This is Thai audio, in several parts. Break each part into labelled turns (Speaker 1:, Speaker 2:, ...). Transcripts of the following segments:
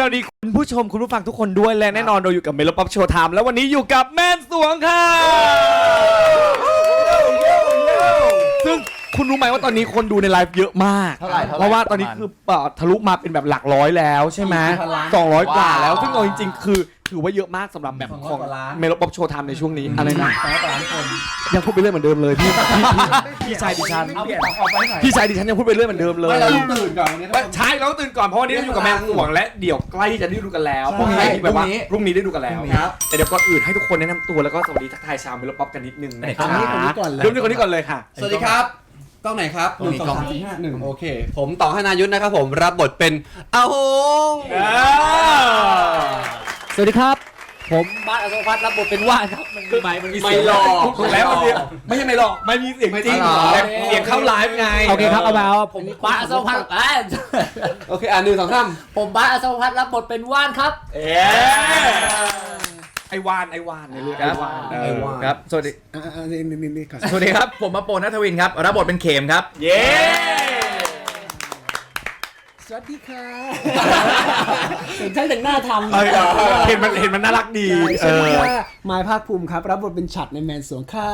Speaker 1: วัสดีคุณผู้ชมคุณผู้ฟังทุกคนด้วยและแน่นอนเราอยู่กับเมโลป๊อปโชว์ไทม์แล้ววันนี้อยู่กับแม่นสวงค่ะซึ่งคุณรู้ไหมว่าตอนนี้คนดูในไลฟ์เยอะมากเพราะว่าตอนนี้คือทะลุมาเป็นแบบหลักร้อยแล้วใช่ไหม200 กว่าแล้วซึ่งเอาจริงๆคือถือว่าเยอะมากสำหรับแบบของเมโลป๊อปโชว์ไทม์ในช่วงนี้อะไรนะยังพูดไปเรื่อยเหมือนเดิมเลยพี่ชายดิฉันพี่ชายดิฉันยังพูดไปเรื่อยเหมือนเดิมเลย
Speaker 2: เราตื่นก่อนวันนี้
Speaker 1: ใช่เราตื่นก่อนเพราะวันนี้เราอยู่กับแม่สวงและเดี๋ยวใกล้ที่จะได้ดูกันแล้วพรุ่งนี้แบบว่าพรุ่งนี้ได้ดูกันแล้วแต่เดี๋ยวก่อนอื่นให้ทุกคนแนะนำตัวแล้วก็สวัสดีทักทายชาวเมโลป๊อปกันนิดนึงนะครับเริ่มที่คนนี้ก่อนเลยค่ะ
Speaker 2: สวัสดีครับกล้องไหนครับ1 2 3 4 5 1โอเคผมต่อให้นายุทธนะครับผมรับบทเป็นอาหง
Speaker 3: สวัสดีครับผมบาสอโศกพัฒน์รับบทเป็นว่านครับมันมี
Speaker 1: ไม่หลอกถูกแล้วไม่ใช่ไม่หลอกไม่มีเสียงจริงแต่เสียงเข้าไลฟ์ไง
Speaker 3: โอเคครับเอามาผมบาสอโศกพัฒน์
Speaker 2: โอเค1 2 3
Speaker 3: ผมบาสอโศกพัฒน์รับบทเป็นว่านครับ
Speaker 1: ไอวานในเรื่องไอวาน
Speaker 4: ครับสวัสดีสวัสดีครับผมมาโปนัทวินครับรับบทเป็นเขมครับ
Speaker 1: เย้
Speaker 3: สวัสดีค่ะเห็นช่างแต่งหน้าทำ
Speaker 1: เห็นมันน่ารักดี
Speaker 3: สวัสดีค่ะมายภาคภูมิครับรับบทเป็นฉัตรในแมนสวงค่ะ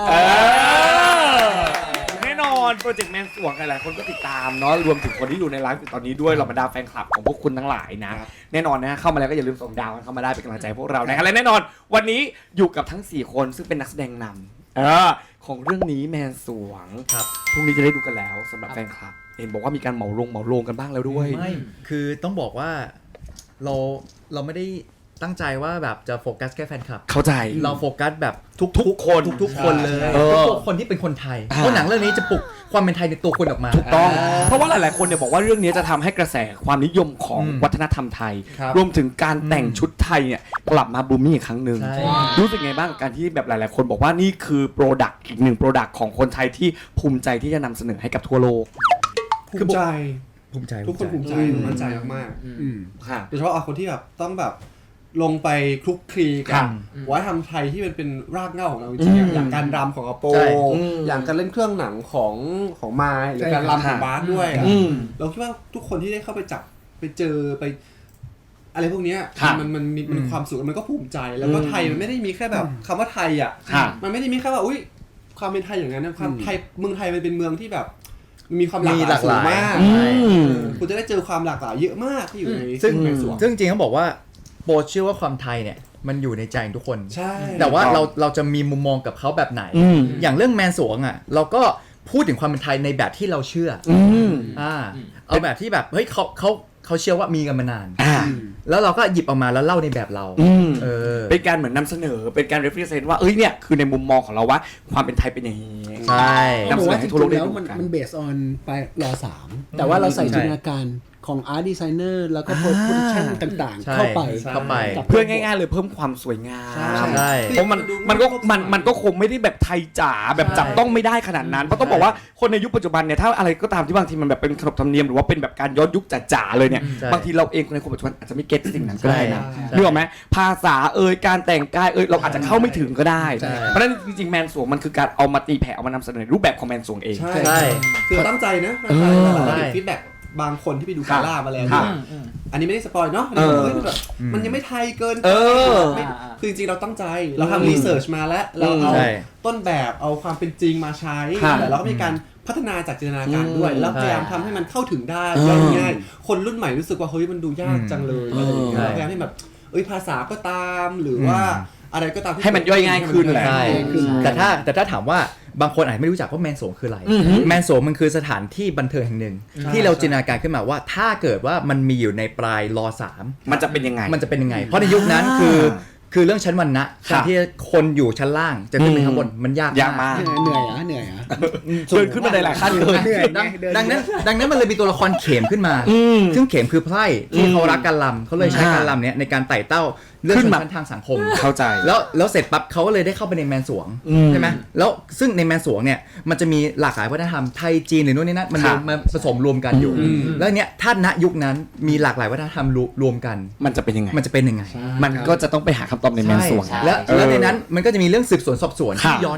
Speaker 1: แน่นอนโปรเจกต์แมนสวงหลายคนก็ติดตามเนาะรวมถึงคนที่อยู่ในไลฟ์ตอนนี้ด้วยเราบรรดาแฟนคลับของพวกคุณทั้งหลายนะแน่นอนนะเข้ามาแล้วก็อย่าลืมส่งดาวเข้ามาได้เป็นกำลังใจพวกเรานะและแน่นอนวันนี้อยู่กับทั้ง4คนซึ่งเป็นนักแสดงนำของเรื่องนี้แมนสวงพรุ่งนี้จะได้ดูกันแล้วสำหรับแฟนคลับเห็นบอกว่ามีการเหมาลงกันบ้างแล้วด้วย
Speaker 4: ไม่คือต้องบอกว่าเราไม่ได้ตั้งใจว่าแบบจะโฟกัสแค่แฟนคลับ
Speaker 1: เข้าใจ
Speaker 4: เราโฟกัสแบบทุกคนเลยทุกคนที่เป็นคนไทยเพราะหนังเรื่องนี้จะปลุกความเป็นไทยในตัวคนออกมา
Speaker 1: ถูกต้องเพราะว่าหลายๆคนเนี่ยบอกว่าเรื่องนี้จะทำให้กระแสความนิยมของวัฒนธรรมไทยรวมถึงการแต่งชุดไทยเนี่ยกลับมาบูมมิ่งอีกครั้งหนึ่งรู้สึกไงบ้างกับการที่แบบหลายๆคนบอกว่านี่คือโปรดักต์อีกหนึ่งโปรดักต์ของคนไทยที่ภูมิใจที่จะนำเสนอให้กับทั่วโลก
Speaker 2: ภูมิใจทุกคนภูมิใจมั่นใจมากๆโดยเฉพาะคนที่แบบต้องแบบลงไปคลุกคลีกับวัฒนธรรมไทยที่มันเป็นรากเหง้าของเราจริงๆอย่างการรำของอโปอย่างการเล่นเครื่องหนังของไม้หรือการรำของบาสด้วยเราคิดว่าทุกคนที่ได้เข้าไปจับไปเจอไปอะไรพวกนี้มันมีความสุขมันก็ภูมิใจแล้วก็ไทยมันไม่ได้มีแค่แบบคำว่าไทยอ่ะมันไม่ได้มีแค่ว่าอุ้ยความเป็นไทยอย่างนั้นนะความไทยเมืองไทยมันเป็นเมืองที่แบบมีความหลากหลายสูงมากคุณจะได้เจอความหลากหลายเยอะมากที่อยู่ใน
Speaker 4: ซึ่งจริงๆเขาบอกว่าโปรเชื่อว่าความไทยเนี่ยมันอยู่ในใจทุกคน
Speaker 2: ใช่
Speaker 4: แต่ว่าเราจะมีมุมมองกับเขาแบบไหนอย่างเรื่องแมนสวงอ่ะเราก็พูดถึงความเป็นไทยในแบบที่เราเชื่อเอาแบบที่แบบเฮ้ยเขาเชื่อว่ามีกันมานานแล้วเราก็หยิบออกมาแล้วเล่าในแบบเรา
Speaker 1: เป็นการเหมือนนำเสนอเป็นการ represent ว่าเนี่ยคือในมุมมองของเราว่าความเป็นไทยเป็นอย่างนี้
Speaker 4: ใช่
Speaker 3: นำเสนอให้ทั่วโลกได้ดูกันมัน based on ไปร.3 แต่ว่าเราใส่จินตนาการของ art designer แล้วก็ production ต่างๆเข้าไป
Speaker 1: เพื่อง่ายๆเลยเพิ่มความสวยงามเพราะมันก็คงไม่ได้แบบไทยจ๋าแบบจับต้องไม่ได้ขนาดนั้นเพราะต้องบอกว่าคนในยุคปัจจุบันเนี่ยถ้าอะไรก็ตามที่บางทีมันแบบเป็นขนบธรรมเนียมหรือว่าเป็นแบบการย้อนยุคจ๋าๆเลยเนี่ยบางทีเราเองในคนปัจจุบันอาจจะไม่เก็ตสิ่งนั้นก็ได้นะนึกออกไหมภาษาการแต่งกายเราอาจจะเข้าไม่ถึงก็ได้เพราะฉะนั้นจริงๆแมนสวงมันคือการเอามาตีแผ่เอามานำเสนอรูปแบบของแมนสวงเอง
Speaker 2: ใช่คือตั้งใจนะฟีดแบ็กบางคนที่ไปดูกาล่ามาแล้วอันนี้ไม่ได้สปอยเนาะมันยังไม่ไทยเกินคือจริงๆเราตั้งใจเราทำรีเสิร์ชมาแล้วเราเอาต้นแบบเอาความเป็นจริงมาใช้แต่เราก็มีการพัฒนาจากจินตนาการด้วยแล้วพยายามทำให้มันเข้าถึงได้ง่ายๆคนรุ่นใหม่รู้สึกว่าเฮ้ยมันดูยากจังเลยพยายามให้แบบภาษาก็ตามหรือว่าอะไรก็ตาม
Speaker 1: ให้มันย่อยง่ายขึ้นแหละ
Speaker 4: แต่ถ้าถามว่าบางคนอาจไม่รู้จักว่าแมนสวงคืออะไรแมนสวงมันคือสถานที่บันเทิงแห่งหนึ่งที่เราจินตนาการขึ้นมาว่าถ้าเกิดว่ามันมีอยู่ในปลายร.3
Speaker 1: มันจะเป็นยังไง
Speaker 4: เพราะในยุคนั้นคือเรื่องชั้นวรรณะการที่คนอยู่ชั้นล่างจะขึ้นไปข้างบนมันยาก
Speaker 1: มาก
Speaker 3: เหนื่อย
Speaker 1: เดินขึ้นมาได้หลายขั้นเลย
Speaker 4: ดังนั้นมันเลยมีตัวละครเข็มขึ้นมาซึ่งเข็มคือไพร่ที่เขารักการรำเขาเลยใช้การรำเนี้ยในการไต่เต้าเรื่องชั้นทางสังคม
Speaker 1: เข้าใจ
Speaker 4: แล้วเสร็จปั๊บเขาก็เลยได้เข้าไปในแมนสวงใช่ไหมแล้วซึ่งในแมนสวงเนี่ยมันจะมีหลากหลายวัฒนธรรมไทยจีนหรือโน่นนี่นั่นมันผสมรวมกันอยู่แล้วเนี้ยถ้าณยุคนั้นมีหลากหลายวัฒนธรรมรวมกัน
Speaker 1: มันจะเป็นยังไง
Speaker 4: มัน
Speaker 1: ก็จะต้องไปหาคำตอบในแมนสวง
Speaker 4: แล้วในนั้นมันก็จะมีเรื่องสืบสวนสอบสวนที่ย้อนยุค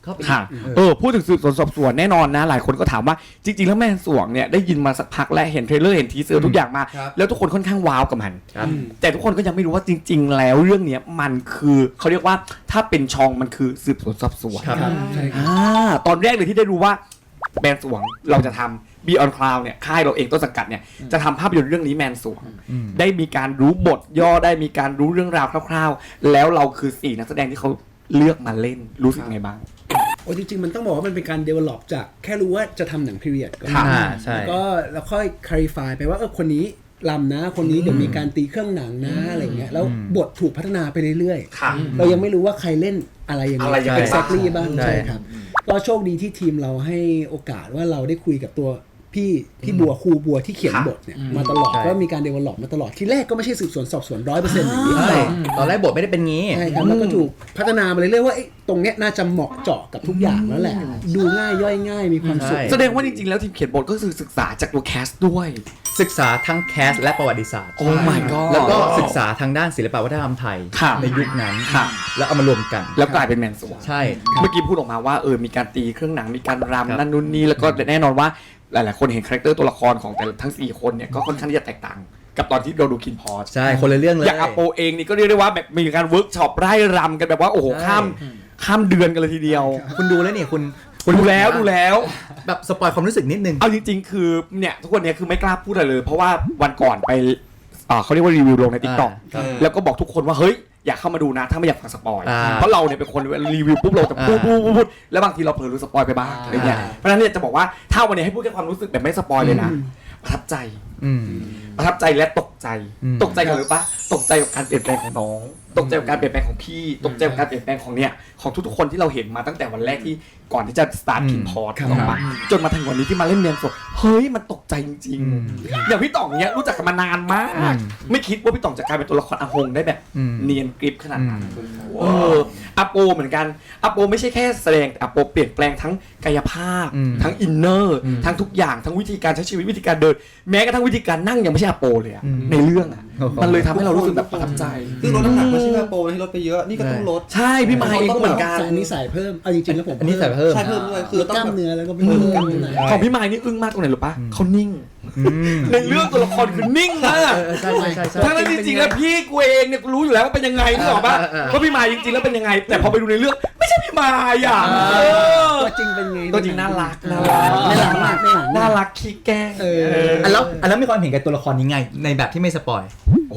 Speaker 4: เข้าไป
Speaker 1: ค่ะพูดถึงสืบสวนสอบสวนแน่นอนนะหลายคนก็ถามว่าจริงๆแล้วแม่สวงเนี่ยได้ยินมาสักพักและเห็นเทรลเลอร์เห็นทีเซอร์ทุกอย่างมาแล้วทุกคนค่อนข้างว้าวกับมันแต่ทุกคนก็ยังไม่รู้ว่าจริงๆแล้วเรื่องนี้มันคือเขาเรียกว่าถ้าเป็นชองมันคือสืบสวนสอบสวนตอนแรกเลยที่ได้รู้ว่าแมนสวงเราจะทำ Beyond Cloud เนี่ยค่ายเราเองต้นสังกัดเนี่ยจะทำภาพยนตร์เรื่องนี้แมนสวงได้มีการรู้บทย่อได้มีการรู้เรื่องราวคร่าวๆแล้วเราคือ4นักแสดงที่เขาเลือกมาเล่นรู้สึกไงบ้าง
Speaker 3: โอ้จริงๆมันต้องบอกว่ามันเป็นการ develop จากแค่รู้ว่าจะทำหนัง period ก่อน
Speaker 4: ใช่
Speaker 3: ก็แล้วค่อย clarify ไปว่าคนนี้ลำนะคนนี้เดี๋ยวมีการตีเครื่องหนังนะอะไรเงี้ยแล้วบทถูกพัฒนาไปเรื่อยๆเรายังไม่รู้ว่าใครเล่นอะไรยังไง exactly บ้างใช่ครับก็โชคดีที่ทีมเราให้โอกาสว่าเราได้คุยกับตัวพี่บัวครูบัวที่เขียนบทเนี่ยมาตลอดก็มีการ develop มาตลอดทีแรกก็ไม่ใช่สืบสวนสอบสวน 100% อย่างนี้
Speaker 4: ตอนแรกบทไม่ได้เป็นงี้
Speaker 3: ใช่ครับแล้วก็ถูกพัฒนามาเรื่อยๆว่าตรงเนี้ยน่าจะเหมาะเจาะกับทุกอย่างแล้วแหละดูง่ายย่อยง่ายมีความสุข
Speaker 1: แสดงว่าจริงๆแล้วทีมเขียนบทก็คือศึกษาจากตัวแคสด้วย
Speaker 4: ศึกษาทั้งแคสและประวัติศาสตร์
Speaker 1: โอ้ my god
Speaker 4: แล้วก็ศึกษาทางด้านศิลปวัฒนธรรมไทยในยุคนั้นแล้วเอามารวมกัน
Speaker 1: แล้วกลายเป็นแมนสวง
Speaker 4: ใช่
Speaker 1: เมื่อกี้พูดออกมาว่ามีการตีเครื่องหนังมีการรำนั่นนู่นนี่แล้วก็แน่นอนว่าหลายๆคนเห็นคาแรคเตอร์ตัวละครของแต่ทั้ง4คนเนี่ยก็ค่อนข้างที่จะแตกต่างกับตอนที่เราดูคินพอส
Speaker 4: ใช่คนละเรื่องเลย
Speaker 1: อย่างอโปเองนี่ก็เรียกได้ว่าแบบมีการเวิร์กช็อปไร่รำกันแบบว่าโอ้โหข้ามเดือนกันเลยทีเดียว
Speaker 4: คุณดูแล้วเนี่ยคุณ
Speaker 1: ดูแล้ว
Speaker 4: แบบสปอยความรู้สึกนิดนึง
Speaker 1: เอาจริงๆคือเนี่ยทุกคนเนี่ยคือไม่กล้าพูดอะไรเลยเพราะว่าวันก่อนไปเขาเรียกว่ารีวิวลงใน TikTok แล้วก็บอกทุกคนว่าเฮ้ยอยากเข้ามาดูนะถ้าไม่อยากฟังสปอยเพราะเราเนี่ยเป็นคนรีวิวปุ๊บเราจะพูดแล้วบางทีเราเผลอรู้สปอยไปบ้างอะไรเงี้ยเพราะฉะนั้นเนี่ยจะบอกว่าถ้าวันนี้ให้พูดแค่ความรู้สึกแบบไม่สปอยเลยนะประทับใจและตกใจกันหรือปะตกใจกับการเปลี่ยนแปลงของน้องตกใจกับการเปลี่ยนแปลงของพี่ตกใจกับการเปลี่ยนแปลงของทุกๆคนที่เราเห็นมาตั้งแต่วันแรกที่ก่อนที่จะสตาร์ทคินพอร์ตออกมาจนมาถึงวันนี้ที่มาเล่นเนียนสดเฮ้ยมันตกใจจริงๆอย่างพี่ต่องเนี้ยรู้จักกันมานานมากไม่คิดว่าพี่ต่องจะกลายเป็นตัวละครอาหงได้แบบเนียนกริบขนาดนั้นอโปเหมือนกันอโปไม่ใช่แค่แสดงแต่อโปเปลี่ยนแปลงทั้งกายภาพทั้งอินเนอร์ทั้งทุกอย่างทั้งวิธีการใช้ชีวิตวิธีการเดินแม้กระทั่งวิธีการนั่งยังไม่ใช่อโปเลยในเรื่องมันเลยทำให้เรารู้สึกแบบประทับใจ
Speaker 2: คือลดน้ำหนักไม่ใช่อโปที่ลดไปเยอะนี่ก็ต้องลด
Speaker 1: ใช่พี่มาเองก็เหมือนกัน
Speaker 3: อันนี้ใส่เพิ่มเอาจริงๆแล้วผม
Speaker 4: อันนี้ใส่เพิ่ม
Speaker 2: ใช่เพิ่มด้วยคือ
Speaker 3: ต้องกล้ามเนื้อแล้วก็เป็นกล้ามเนื้อ
Speaker 1: ของพี่มายนี่อึ้งมากตรงไหนรู้ปะเขานิ่งในเรื่องตัวละครคือนิ่งมากทั้งนั้นจริงๆแล้วพี่กูเองเนี่ยกูรู้อยู่แล้วว่าเป็นยังไงนึกออกปะว่าพี่มายจริงๆแล้วเป็นยังไงแต่พอไปดูในเรื่องไม่ใช่พี่มายอ่ะ
Speaker 3: ตัวจริงเป็นไง
Speaker 1: ตัวจริงน่ารัก
Speaker 3: มาก
Speaker 1: น่ารักขี้แกล้ง
Speaker 4: แล้วมีความเห็นกับตัวละครนี้ไงในแบบที่ไม่สปอย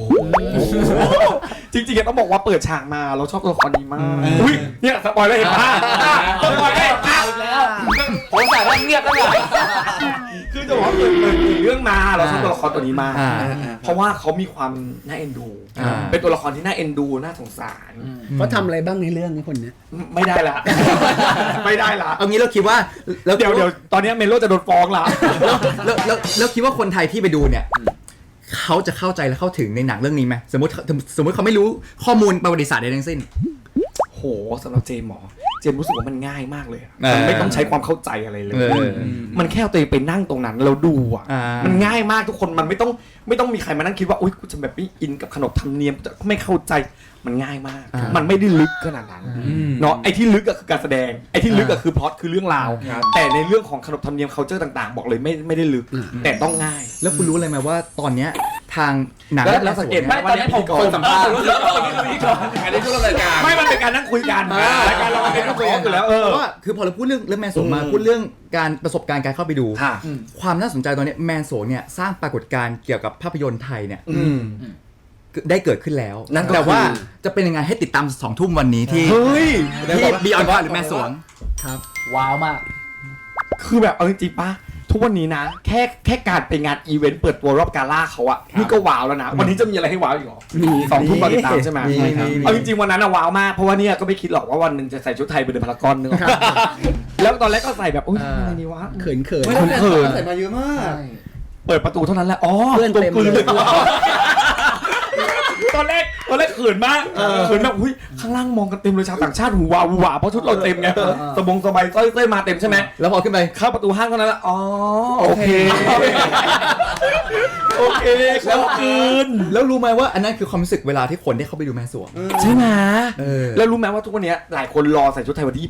Speaker 1: จริงๆต้องบอกว่าเปิดฉากมาเราชอบตัวละครนี้มากอุ้ยเนี่ยสปอยแล้วเห็นป่ะสปอยแล้วผมแต่ว่าเงียบแล้วไงคือจะบอกว่าเปิดเรื่องมาเราชอบตัวละครตัวนี้มากเพราะว่าเขามีความน่าเอ็นดูเป็นตัวละครที่น่าเอ็นดูน่าสงสาร
Speaker 3: เขาทำอะไรบ้างในเรื่องนี้คนนี้
Speaker 1: ไม่ได้ละ
Speaker 4: เอางี้เราคิดว่า
Speaker 1: เดี๋ยวตอนนี้เมโลจะโดนฟ้องละ
Speaker 4: แล้วคิดว่าคนไทยที่ไปดูเนี่ยเขาจะเข้าใจและเข้าถึงในหนังเรื่องนี้ไหมสมมติเขาไม่รู้ข้อมูลประวัติศาสตร์ใดทั้งสิ้น
Speaker 1: โหสำหรับเจมรู้สึกว่ามันง่ายมากเลยมันไม่ต้องใช้ความเข้าใจอะไรเลยมันแค่เอาตัวเองไปนั่งตรงนั้นแล้วดูอ่ะมันง่ายมากทุกคนมันไม่ต้องมีใครมานั่งคิดว่าอุ๊ยกูจะแบบไม่อินกับขนบธรรมเนียมไม่เข้าใจมันง่ายมากมันไม่ได้ลึกขนาดนั้นเนาะไอ้ที่ลึกก็คือการแสดงไอ้ที่ลึกก็คือพล็อตคือเรื่องราวแต่ในเรื่องของขนบธรรมเนียม culture ต่างๆบอกเลยไม่ได้ลึกแต่ต้องง่าย
Speaker 4: แล้วคุณรู้เลยไหมว่าตอนเนี้ยทางหนัง
Speaker 1: แล้วสังเกตไหมตอนนี้ผมสัมภาษณ์อันนี้ช่วงรายการไม่มันเป็นการนั่งคุยกันรายการเราเป็นนั่งคุยกันอยู่แล้ว
Speaker 4: เพราะว่าคือพอเราพูดเรื่องแมนโสมาพูดเรื่องการประสบการณ์การเข้าไปดูความน่าสนใจตอนนี้แมนโสเนี่ยสร้างปรากฏการณ์เกี่ยวกับภาพยนตร์ไทยเนี่ยได้เกิดขึ้นแล้วแต่ว่าจะเป็นยังไงให้ติดตาม2 ทุ่มวันนี้ที่ Beyond Cloud หรือแม่สวง
Speaker 3: ครับว้าวมาก
Speaker 1: คือแบบเอาจริงๆป่ะทุกวันนี้นะแค่การไปงานอีเวนต์เปิดตัวรอบกาล่าเขาอะนี่ก็ว้าวแล้วนะวันนี้จะมีอะไรให้ว้าวอีกหรอมี2 ทุ่มติดตามใช่ไหมเอาจริงๆวันนั้นอะว้าวมากเพราะว่าเนี่ยก็ไม่คิดหรอกว่าวันนึงจะใส่ชุดไทยไปเดินพารากอนนึงแล้วตอนแรกก็ใส่แบบโอ๊ยอะไรนี่วะ
Speaker 3: เขิน
Speaker 2: ใส่มาเยอะมาก
Speaker 1: เปิดประตูเท่านั้นแหละอ๋อ
Speaker 3: เพื่อนเต็มเลย
Speaker 1: ตอนแรกตอนแรกเขินมากเขินแบบอุ้ยข้างล่างมองกันเต็มเลยชาวต่างชาติหูวาหูหวาเพราะชุดเราเต็มไงสบงสบายสร้อยมาเต็มใช่ไหม
Speaker 4: แล้วพอขึ้นไป
Speaker 1: เข้าประตูห้างเท่านั้นแหละอ๋อโอเคโอเคแล้วคืน
Speaker 4: แล้วรู้ไหมว่าอันนั้นคือความรู้สึกเวลาที่คนได้เข้าไปดูแม่สวง
Speaker 1: ใช่ไหม
Speaker 4: แล้
Speaker 1: แล้ว วรู้ไหมว่าทุกวันนี้หลายคนรอใส่ชุดไทยวันที่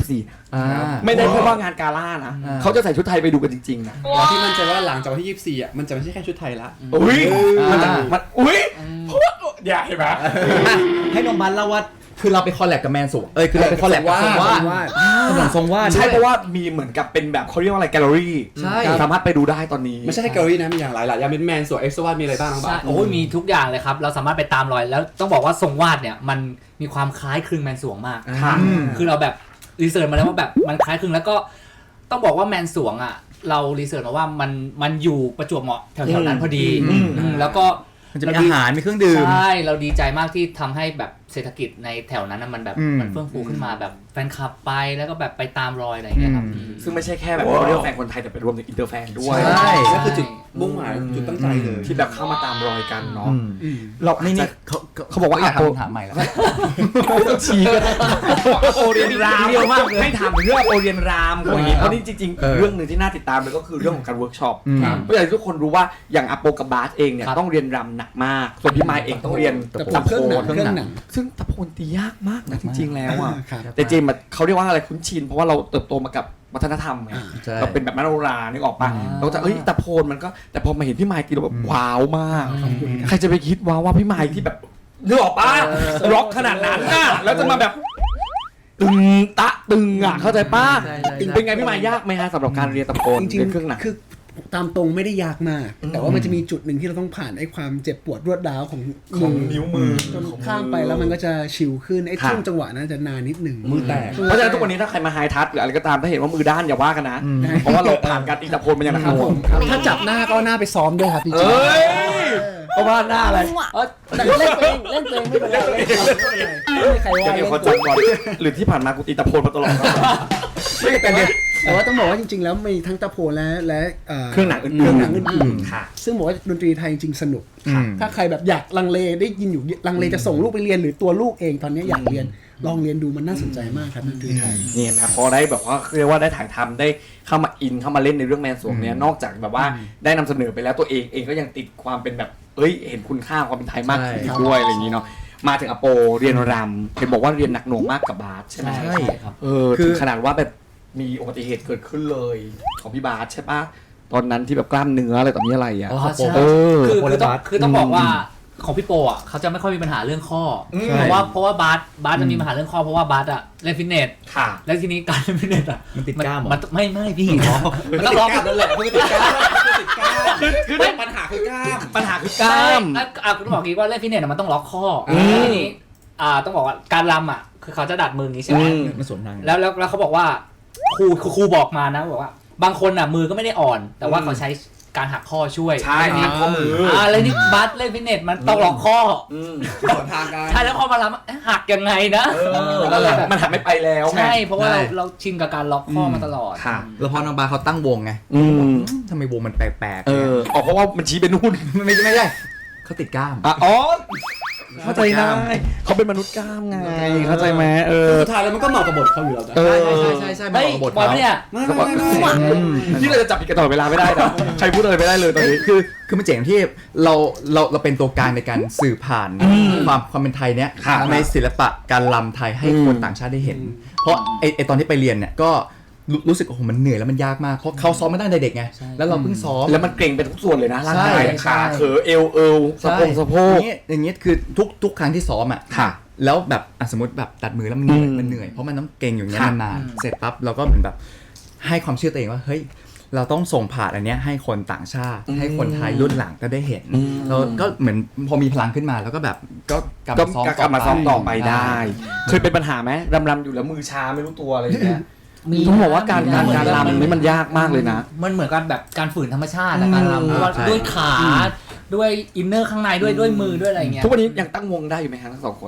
Speaker 1: 24ไม่ได้แค่ว่างานกาล่านะเขาจะใส่ชุดไทยไปดูกันจริงๆนะ
Speaker 2: แล้วที่มั่นใจว่าหลังจากวันที่24มันจะไม่ใช่แค่ชุดไทยละ
Speaker 1: อุ้ยมันอุ้ยเพราะว่าอย่าเห็นไหม
Speaker 4: ให้น้องบันเล่าว่าคือเราไปคอลแลบกับแมนสูคือเราไปคอลแลบกับทรงวาดถนนทรงวาด
Speaker 1: ใช่เพราะว่ามีเหมือนกับเป็นแบบเขาเรียกว่าอะไรแกลเลอรี่
Speaker 4: ใช่
Speaker 1: สามารถไปดูได้ตอนนี้
Speaker 2: ไม่ใช่แค่แกลเลอรี่นะมีอย่างหลายอย่างเป็นแมนส่วนเอ็กซ์วาดมีอะไรบ้างน้อง
Speaker 5: ใช่
Speaker 2: บาส
Speaker 5: โอ้ยมีทุกอย่างเลยครับเราสามารถไปตามรอยแล้วต้องบอกว่าทรงวาดเนี่ยมันมีความคล้ายคลึงแมนสวงมาก
Speaker 1: ค่ะ
Speaker 5: คือเราแบบรีเสิร์ชมาแล้วว่าแบบมันคล้ายคลึงแล้วก็ต้องบอกว่าแมนสวงอ่ะเรารีเสิร์ชมาว่ามันอยู่ประจวบเหมาะแถวๆนั้นพอดีแล้วก็
Speaker 4: มันจะมีอาหารมีเครื่องดื่ม
Speaker 5: ใช่เราดีใจมากที่ทำให้แบบเศรษฐกิจในแถวนั้นนะมันแบบ
Speaker 4: อืม
Speaker 5: มันเฟื่องฟูขึ้นมาแบบแฟนคลับไปแล้วก็แบบไปตามรอยอะไรอย่างเงี้ยครับ
Speaker 1: ซึ่งไม่ใช่แค่แบบเขาเรียกว่าแฟนคนไทยแต่เป็นรวมถึงอินเตอร์แฟนด้วย
Speaker 4: ใช่
Speaker 2: นั่นคือจุดมุ่งหมายจุดตั้งใจเลย
Speaker 1: ที่แบบเข้ามาตามรอยกันเนาะ
Speaker 4: อืม
Speaker 1: เรา
Speaker 4: นี่
Speaker 1: นี่
Speaker 4: เขาบอกว่าอยาก
Speaker 1: โป
Speaker 4: ทำคำถามใหม่แล้ว
Speaker 1: ไม่ต้องชี้กันโอเรียนรามเรียวมากให้ถามถึงเรื่องโอเรียนรามคนอย่างนี้เพราะนี่จริงๆเรื่องหนึ่งที่น่าติดตามเลยก็คือเรื่องของการเวิร์กช็อป
Speaker 4: ครับ
Speaker 1: เพราะอย่างที่ทุกคนรู้ว่าอย่างอาโปกับบาสเองเนี่ย
Speaker 5: ครับ
Speaker 1: ต้องเรียนรำหนักมากส่วนพี่ไมค์เองต้องเรียน
Speaker 3: แต่
Speaker 1: ตะ
Speaker 3: เค
Speaker 1: โพ
Speaker 3: รื่องหนัง
Speaker 1: น
Speaker 3: เครื่องหนัง
Speaker 1: ซึ่งตะโพนตียากมากนะจริงๆแล้วอ่ะ
Speaker 3: ครับ
Speaker 1: แต่เจมส์เขาเรียกว่าอะไรคุ้นชินเพราะว่าเราเติบโตมากับวัฒนธรรมไง
Speaker 4: ใช่
Speaker 1: เราเป็นแบบมโนรานึกออกปะเราจะตะโพนมันก็แต่พอมาเห็นพี่ไมค์ตีเราแบบว้าวมากใครจะไปคิดว่าพี่ไมค์ที่แบบนึกออกปะร็อกขนาดนั้นน่ะแล้วจะมาแบบตึงตะตึงอ่ะเข้าใจปะ
Speaker 4: ใช่ใช่ใช่
Speaker 1: เป็นไงพี่ไมค์ยากไหมฮะสำหรับการเรียนตะโพน
Speaker 3: จริง
Speaker 1: เรียนเครื่องหนัง
Speaker 3: คือตามตรงไม่ได้ยากมาก แต่ว่ามันจะมีจุดหนึ่งที่เราต้องผ่านไอ้ความเจ็บปวดรวดร้าวของ
Speaker 1: ของนิ้วมือ
Speaker 3: จนข้ามไปแล้วมันก็จะชิลขึ้นไอ้
Speaker 1: ค่ะ
Speaker 3: ช่วงจังหวะนั้นจะนานนิดหนึ่ง
Speaker 2: มือแตก
Speaker 1: เพราะฉะนั้นทุกวันนี้ถ้าใครมาไฮทัชหรืออะไรก็ตามถ้าเห็นว่ามือด้านอย่าว่ากันนะ เพราะว่าเราผ่านการตีตะโพนมาอย่างหนักห
Speaker 3: ครับ
Speaker 1: น่
Speaker 3: ผ
Speaker 1: วง
Speaker 3: มถ้าจับหน้าก็เอาหน้าไปซ้อมด้วยครับพี่
Speaker 1: เอ
Speaker 3: จิ๊บ้
Speaker 1: ยเพราะว่าหน้าอะไร
Speaker 3: แต่เล่นตัวเองเล่นตัวเองไม่เป็นไรไม่มีใครว่า
Speaker 1: เดี๋ยว
Speaker 3: เล่น
Speaker 1: ขอจับก่อนหรือที่ผ่านมากูตีตะโพนมาตลอด
Speaker 3: ไม่แต่ว่าต้องบอกว่าจริงๆแล้วมีทั้งตะโพนและ
Speaker 1: เครื่องหนังอื่นๆ
Speaker 3: เครื่องหนังอื่น
Speaker 1: ค่ะ
Speaker 3: ๆซึ่งบอกว่าดนตรีไทยจริงๆสนุก
Speaker 4: อืม
Speaker 3: ถ้าใครแบบอยากลังเลได้ยินอยู่ลังเลจะส่งลูกไปเรียนหรือตัวลูกเองตอนนี้อยากเรียนลองเรียนดูมันน่าสนใจมากครับดนตรีไทย
Speaker 1: นี่นะพอได้แบบว่าเรียกว่าได้ถ่ายทำได้เข้ามาอินเข้ามาเล่นในเรื่องแมนสวงเนี่ยนอกจากแบบว่าได้นำเสนอไปแล้วตัวเองก็ยังติดความเป็นแบบเห็นคุณค่าความเป็นไทยมากขึ้น
Speaker 4: ใช่
Speaker 1: ด้วยอะไรอย่างนี้เนาะมาถึงอโปเรียนรำเห็นบอกว่าเรียนหนักหน่วงมากกับบาสใช่ไหม
Speaker 4: ใช่
Speaker 5: ครับ
Speaker 1: ถึงขนาดว่าแบบมีอุบัติเหตุเกิดขึ้นเลยของพี่บาสใช่ปะตอนนั้นที่แบบกล้ามเนื้ออะไรต่อมีอะไรอ่ะ
Speaker 5: อ๋อใช่
Speaker 1: เออ
Speaker 5: คือต้องบอกว่าของพี่โปอ่ะเขาจะไม่ค่อยมีปัญหาเรื่องข้ออเพราะว่าบาสจะมีปัญหาเรื่องข้อเพราะว่าบาสอ่ะเล่นฟิตเนส
Speaker 1: ค่ะ
Speaker 5: แล้วทีนี้การเล่นฟิตเนสอ่ะ
Speaker 4: มันติดกล้ามเหรอ
Speaker 5: มันไม่พี่มันต้องล็อก
Speaker 2: นั่นแหละคือติดกล้ามคือปัญหาคือกล้าม
Speaker 1: ปัญหาคือกล้าม
Speaker 5: คุณต้องบอกงี้ว่าเล่นฟิตเนสมันต้องล็อกข้อทีนี้ต้องบอกว่าการรำอ่ะคือเขาจะดัดมืออย่างนี้ใช่ไหม
Speaker 4: มันสวมทาง
Speaker 5: แล้วเขาบอกว่าครูบอกมานะบอกว่า บางคนอ่ะมือก็ไม่ได้อ่อน แต่ว่าเขาใช้การหักข้อช่วย
Speaker 1: ใช่หักข้อมือ
Speaker 5: แล้วนี่บัสเล่นฟิตเนสมันต้องล็อกข้อ
Speaker 2: สวนทางกัน
Speaker 5: ใช่แล้วพอมารับหักยังไงนะ
Speaker 1: นั่นแหละมันหักไม่ไปแล้วไง
Speaker 5: ใช่เพราะว่าเราชินกับการล็อกข้อมาตลอด
Speaker 1: ค่ะ
Speaker 4: แล้วพอน้องบาเขาตั้งวงไง ทำไมวงมันแปลกๆ
Speaker 1: เพราะว่ามันชี้ไปนู่น
Speaker 4: ไม่ใช่เขาติดกล้าม
Speaker 1: อ๋อเข้าใจได้เขาเป็นมนุษย์กล้ามไงเข้าใจไหม
Speaker 2: สุดท้ายแล้วมันก็เหมาะกับบทเขาอยู่แล้วนะ
Speaker 4: ใช่
Speaker 5: ไม่
Speaker 4: บท
Speaker 5: บอล
Speaker 4: เขา
Speaker 5: เนี่ย
Speaker 2: ไม่
Speaker 1: ที่เราจะจับผิดกันตลอดเวลาไม่ได้นะใครพูดอะไรไม่ได้เลยตอนนี้
Speaker 4: คือมันเจ๋งที่เราเป็นตัวกลางในการสื่อผ่านความเป็นไทยเนี้ย
Speaker 1: ค่ะ
Speaker 4: ในศิลปะการรำไทยให้คนต่างชาติได้เห็น เพราะไอตอนที่ไปเรียนเนี่ยก็รู้สึกโอ้โหมันเหนื่อยแล้วมันยากมากเพราะเขาซ้อมมาตั้งแต่เด็กไงแล้วเราเพิ่งซ้อม
Speaker 1: แล้วมันเกร็งเป็นทุกส่วนเลยนะร่างกาย
Speaker 4: ใช่
Speaker 1: ขาเขอเอวสะโพก
Speaker 4: อย่างเงี้ยคือทุกครั้งที่ซ้อมอ่ะ
Speaker 1: ค่ะ
Speaker 4: แล้วแบบสมมติแบบตัดมือแล้วมันเหนื่อยเพราะมันต้องเก่งอย่างเงี้ย
Speaker 1: ค่ะ
Speaker 4: นานๆเสร็จปั๊บเราก็เหมือนแบบให้ความเชื่อตัวเองว่าเฮ้ยเราต้องส่งผ่านอันเนี้ยให้คนต่างชาติ ให้คนไทยรุ่นหลังก็ได้เห็นเราก็เหมือนพอมีพลังขึ้นมาแล้วก็แบบก็กลับ
Speaker 1: ก็
Speaker 4: มาซ้อม
Speaker 1: กลับมาซ้อมต่อไปได้ เคยเป็นปัญหาไหมรำอยู่แล้วมือชาไม่รู้ตัวอะไรอย่างเงี้ยต้องบอกว่าการรำนี่มันยากมากเลยนะ
Speaker 5: มันเหมือนกันแบบการฝืนธรรมชาติอะการรำเพราะว่าด้วยขาด้วยอินเนอร์ข้างในด้วยมือด้วยอะไรเงี้ย
Speaker 1: ทุกวันนี้ยังตั้งวงได้อยู่ไหมฮะทั้งสองคน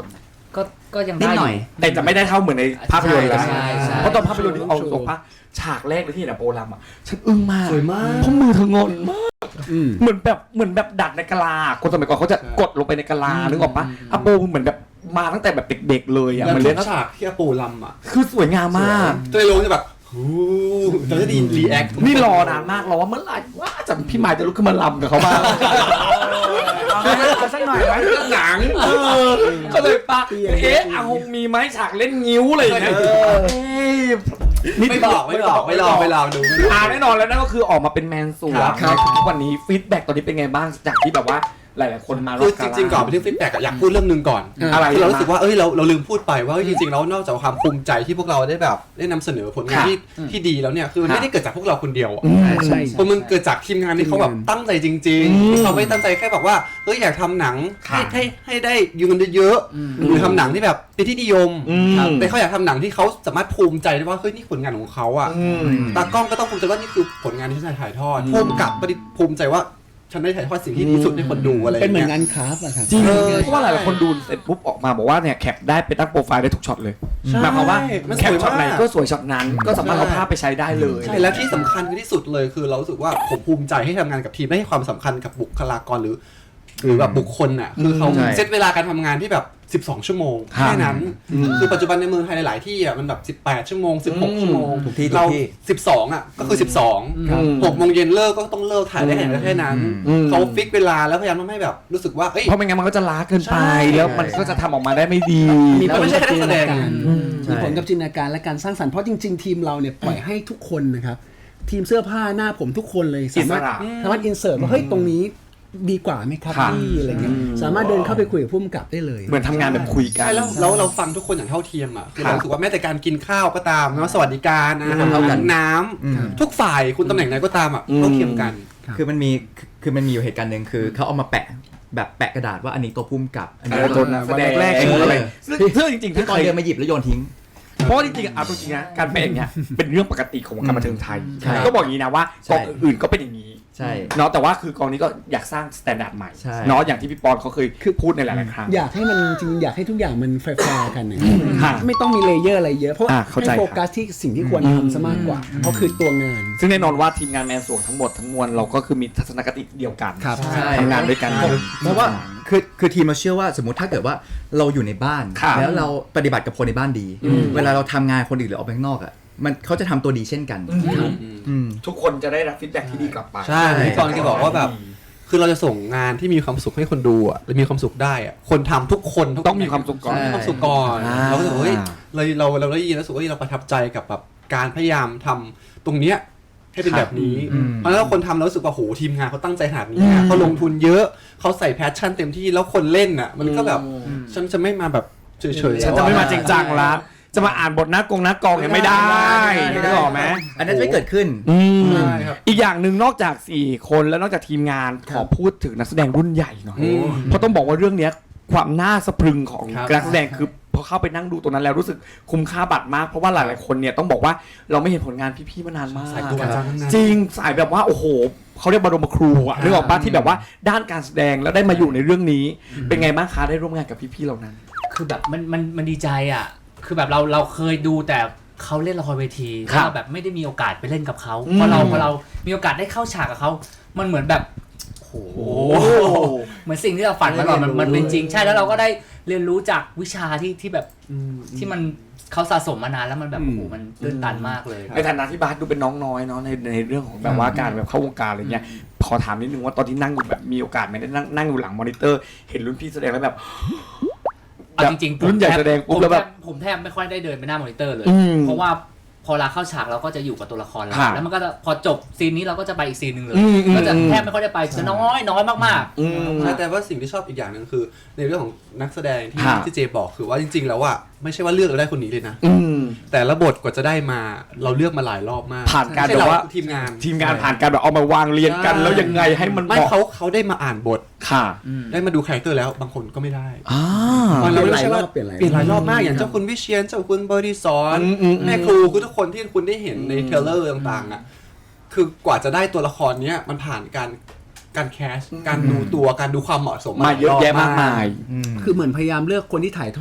Speaker 5: ก็ยัง
Speaker 4: นิด
Speaker 5: ได้
Speaker 4: หน่อย
Speaker 1: แต่จะไม่ได้เท่าเหมือนในภาพยนตร์แล้ว
Speaker 5: ใช่ใช่
Speaker 1: เพราะตอนภาพยนตร์ที่เอาตรงปะฉากแรกเลยที่เห็นอะโปรลัมอะฉันอึ้งมาก
Speaker 2: สวยมาก
Speaker 1: เพราะมือเธองอนมากเหมือนแบบดัดในกะลาคนสมัยก่อนเขาจะกดลงไปในกะลานึกออกปะอะโปเหมือนแบบมาตั้งแต่แบบเด็กๆเลยอะ
Speaker 2: แล้ว
Speaker 1: มัน
Speaker 2: ทุ
Speaker 1: เล่น
Speaker 2: กฉากที่อาปูลำอ่ะ
Speaker 1: คือสวยงามมาก
Speaker 2: ตัวลงจะแบบฮู้เราจะได้ยินรีแอค
Speaker 1: นี่รอนานมากรอว่าเมื่อไหร่ว่าจะพี่หมายจะลุกขึ้นมาลำกับเขาบ้าง
Speaker 3: เอาสักหน่อยไหม
Speaker 2: หนัง
Speaker 1: ก็เลยปะอาหงมีไหมฉากเล่นงิ้วอะไรอย่างเงี้ยนี่
Speaker 2: ไม่บอกไม่ลองดู
Speaker 1: แน่นอนแล้วนั่นก็คือออกมาเป็นแมนสวงทุกวันนี้ฟีดแบ็กตอนนี้เป็นไงบ้างจากที่แบบว่าหลายๆคนมา
Speaker 2: คือจริงๆก่อนไปที่ฟีดแบ็กอยากพูดเรื่องนึงก่อน
Speaker 1: อะไร
Speaker 2: คือเรารู้สึกว่าเราลืมพูดไปว่าจริงๆแล้วนอกจากความภูมิใจที่พวกเราได้แบบได้นำเสนอผลงานที่ดีแล้วเนี่ยคือมันไม่ได้เกิดจากพวกเราคนเดียว
Speaker 3: ใช่
Speaker 2: เพราะมันเกิดจากทีมงานที่เขาแบบตั้งใจจริงๆที่เขาไม่ตั้งใจแค่แบบว่าอยากทำหนังให้ได้ยูเงินเยอะๆหรือทำหนังที่แบบเป็นที่นิยมแต่เขาอยากทำหนังที่เขาสามารถภูมิใจได้ว่าเฮ้ยนี่ผลงานของเขาอ่ะตากล้องก็ต้องภูมิใจว่านี่คือผลงานที่ฉันถ่ายทอดผู้กำกับก็ภูมิใจว่าฉันได้ถ่ายทอดสิ่งที่ดีสุดให้คนดูอะไรอย่าง
Speaker 3: เป็นเหมือน
Speaker 2: เงี้ย
Speaker 3: งานคราฟต์อะครับ
Speaker 1: จริงเพราะว่าหลายๆคนดูเสร็จปุ๊บออกมาบอกว่าเนี่ยแคปได้ไปตั้งโปรไฟล์ได้ทุกช็อตเลยหมายความว่าแคปช็อตไหนก็สวยช็อตนั้นก็สามารถเอาภาพไปใช้ได้เลย
Speaker 2: ใช่แล้วที่สำคัญที่สุดเลยคือเรารู้สึกว่าผมภูมิใจให้ทำงานกับทีมได้ให้ความสำคัญกับบุคลากรหรือแบบบุคคลน่ะคือเขาเซตเวลาการทำงานที่แบบ12 ชั่วโมงแค่นั้นคือปัจจุบันในเมืองไทยหลายๆที่อ่ะมันแบบ18 ชั่วโมง16 ชั่วโมงเรา12อ่ะก็คือ12 6 โมงเย็นเลิกก็ต้องเลิกถ่ายได้แค่นั้นเขาฟิกเวลาแล้วพยายามทำให้แบบรู้สึกว่า
Speaker 1: เพราะไม่งั้นมันก็จะล้าเกินไปแล้วมันก็จะทำออกมาได้ไม่ดี
Speaker 3: มีผล
Speaker 2: ไม่ใช่
Speaker 3: กับ
Speaker 2: แค่
Speaker 3: จิน
Speaker 2: แส
Speaker 3: ต
Speaker 2: ด
Speaker 3: นาง การมีผลกับจินตนาการและการสร้างสรรค์เพราะจริงๆทีมเราเนี่ยปล่อยให้ทุกคนนะครับทีมเสื้อผ้าหน้าผมทุกคนเลยสามารถอินเสิร์ตว่าเฮ้ยตรงนี้ดีกว่าไหมครับพี่อะไรเงี้ยสามารถเดินเข้าไปคุยกับผู้กำกับได้เลย
Speaker 1: เหมือนทำงานแบบคุยกัน
Speaker 2: ใช่แล้วเราฟังทุกคนอย่างเท่าเทียมอ่ะคือเรารู้สึกว่าแม้แต่การกินข้าวก็ตามนะสวัสดิการอาหารน้ำทุกฝ่ายคุณตำแหน่งไหนก็ตามอ่ะเท่าเทียมกัน
Speaker 4: คือมันมีอยู่เหตุการณ์หนึ่งคือเขาเอามาแปะแบบแปะกระดาษว่าอันนี้ตัวพุ่มกับอันนี้
Speaker 1: ตัวแสดงแรกๆอะไรซึ่งจริงๆ
Speaker 4: ที่
Speaker 1: ถ้า
Speaker 4: ตอน
Speaker 1: เคย
Speaker 4: เดินมาหยิบแล้วโยนทิ้ง
Speaker 1: เพราะจริงๆเอาจริงๆนะการเป็นอย่างเงี้ยเป็นเรื่องปกติของวงการบันเทิงไทยก็บอกอย่างนี้นะว่ากองอื่นๆก็เป็นอย่างนี้
Speaker 4: ใช่
Speaker 1: เนาะแต่ว่าคือกองนี้ก็อยากสร้างสแตนดาร์ดใหม่
Speaker 4: ใช่
Speaker 1: เนาะอย่างที่พี่ปอนเขาเคยพูดในหลายๆครั้ง
Speaker 3: อยากให้มันจริงอยากให้ทุกอย่างมันแฟร์ๆกันนะ
Speaker 1: ค่ะ
Speaker 3: ไม่ต้องมีเลเยอร์อะไรเยอะเพราะ
Speaker 1: เข้าใจ
Speaker 3: ให้โฟกัสที่สิ่งที่ควรทำซะมากกว่าเพราะคือตัวงาน
Speaker 1: ซึ่งแน่นอนว่าทีมงานแมนสวงทั้งหมดทั้งมวลเราก็คือมีทัศนคติเดียวกัน
Speaker 3: ครับ
Speaker 4: ใช่
Speaker 1: ทำงานด้วยกัน
Speaker 4: เพราะว่าคือทีมเราเชื่อว่าสมมติถ้าเกิดว่าเราอยู่ในบ้าน
Speaker 1: ครับ
Speaker 4: แล้วเราปฏิบัติกับคนในบ้านดี เวลาเราทำงานคนอื่นหรือออกไปข้างนอกอ่ะมันเขาจะทำตัวดีเช่นกันอืม
Speaker 1: ทุกคนจะได้รับฟีดแบ็กที่ดีกลับไป
Speaker 2: ใช่พี่กรณ์ก็บอกว่าแบบคือเราจะส่งงานที่มีความสุขให้คนดูอ่ะและมีความสุขได้อ่ะคนทำทุกคน
Speaker 1: ต้องมีความสุขก่อน
Speaker 2: มีความสุขก่อน
Speaker 1: อ่า
Speaker 2: เราก็รู้สึกว่าเฮ้ยเราได้ยินแล้วรู้สึกว่าเราประทับใจกับแบบการพยายามทำตรงเนี้ยให้เป็นแบบนี้เพราะฉะนั้นคนทำแล้วรู้สึกว่าโหทีมงานเขาตั้งใจขนาดนี้อะเขาลงทุนเยอะเขาใส่แพชชั่นเต็มที่แล้วคนเล่นอ่ะมันก็แบบฉันจะไม่มาแบบเฉยๆ
Speaker 1: ฉันจะไม่มาจริงจังละจะมาอ่านบทหน้ากองเนี่ยไม่ได้นึกออกไหม
Speaker 4: อันนั้นจะไม่เกิดขึ้น
Speaker 2: ใช่ครับ
Speaker 1: อีกอย่างหนึ่งนอกจาก4คนแล้วนอกจากทีมงานขอพูดถึงนักแสดงรุ่นใหญ่หน่อยเพราะต้องบอกว่าเรื่องเนี้ยความน่าสะพรึงของ
Speaker 2: ครับ
Speaker 1: นักแสดงคือพอเข้าไปนั่งดูตรงนั้นแล้วรู้สึกคุ้มค่าบัตรมากเพราะว่าหลายๆคนเนี่ยต้องบอกว่าเราไม่เห็นผลงานพี่ๆมานานมาก
Speaker 2: สายครูอาจารย์ทั้งนั้น
Speaker 1: จริงสายแบบว่าโอ้โหเขาเรียกบรมครูอะนึกออกปะที่แบบว่าด้านการแสดงแล้วได้มาอยู่ในเรื่องนี้เป็นไงบ้างคะได้ร่วมงานกับพี่ๆเหล่านั้น
Speaker 5: คือแบบมันดีใจอ่ะคือแบบเราเคยดูแต่เขาเล่นละครเวที
Speaker 1: ครั
Speaker 5: แล้ว
Speaker 1: บ
Speaker 5: เราแบบไม่ได้มีโอกาสไปเล่นกับเขาพอเรามีโอกาสได้เข้าฉากกับเขามันเหมือนแบบโอ้โหเหมือนสิ่งที่เราฝันมาก่อนมันเป็นจริงใช่แล้วเราก็ได้เรียนรู้จากวิชาที่แบบที่มันเขาสะสมมานานแล้วมันแบบโอ้โหมันตื้นตันมากเลย
Speaker 1: ในฐานะที่บาสดูเป็นน้องน้อยเนาะในเรื่องของแบบว่าการแบบเข้าวงการอะไรเงี้ยขอถามนิดนึงว่าตอนที่นั่งอยู่แบบมีโอกาสไหมได้นั่งอยู่หลังมอนิเตอร์เห็นรุ่นพี่แสดงแล้วแบบ
Speaker 5: เอาจริงๆ
Speaker 1: รุ่นใหญ่แสดงปุ๊บแล้วแบบ
Speaker 5: ผมแทบไม่ค่อยได้เดินไปหน้ามอนิเตอร์เลย
Speaker 1: อืม
Speaker 5: เพราะว่าพอเราเข้าฉากเราก็จะอยู่กับตัวละครเรา
Speaker 1: ครับ
Speaker 5: แล้วมันก็จะพอจบซีนนี้เราก็จะไปอีกซีนหนึ่งเลย
Speaker 1: อืม
Speaker 5: ก็จะแทบไม่ค่อยได้ไปจะน้อยมากๆ
Speaker 1: อืม
Speaker 2: ใช่แต่ว่าสิ่งที่ชอบอีกอย่างหนึ่งคือในเรื่องของนักแสดงที่
Speaker 1: ครับ
Speaker 2: ที่เจบอกคือว่าจริงๆแล้วอ่ะไม่ใช่ว่าเลือกเราได้คนนี้เลยนะ
Speaker 1: อืม
Speaker 2: แต่ละบทกว่าจะได้มาเราเลือกมาหลายรอบมาก
Speaker 1: ผ่านการ
Speaker 2: ไม่ใช่
Speaker 1: แบบว่า
Speaker 2: ทีมงาน
Speaker 1: ทีมงานผ่านการแบบเอามาวางเรียงกัน
Speaker 2: ใช่
Speaker 1: แล้วยังไงให้มัน
Speaker 2: ไม่
Speaker 1: เหมาะ
Speaker 2: เขาได้มาอ่านบท
Speaker 1: ค่ะ
Speaker 2: ได้มาดูคาแรคเตอร์แล้วบางคนก็ไม่ได้
Speaker 1: อ่า
Speaker 2: มันเราไม่ใช่ว่า
Speaker 3: เปลี่ยนหลายรอบ
Speaker 2: เปลี่ยนหลายรอบมากอย่างเจ้าคุณวิเชียรเจ้าคุณบริสอน
Speaker 1: อืม
Speaker 2: แม่ครูคือทุกคนที่คุณได้เห็นในเทรลเลอร์ต่างๆอ่ะคือกว่าจะได้ตัวละครเนี้ยมันผ่านการแคสการดูตัวการดูความเหมาะสม
Speaker 1: มาเยอะแยะมากมาย
Speaker 3: คือเหมือนพยายามเลือกคนที่ถ่ายทอด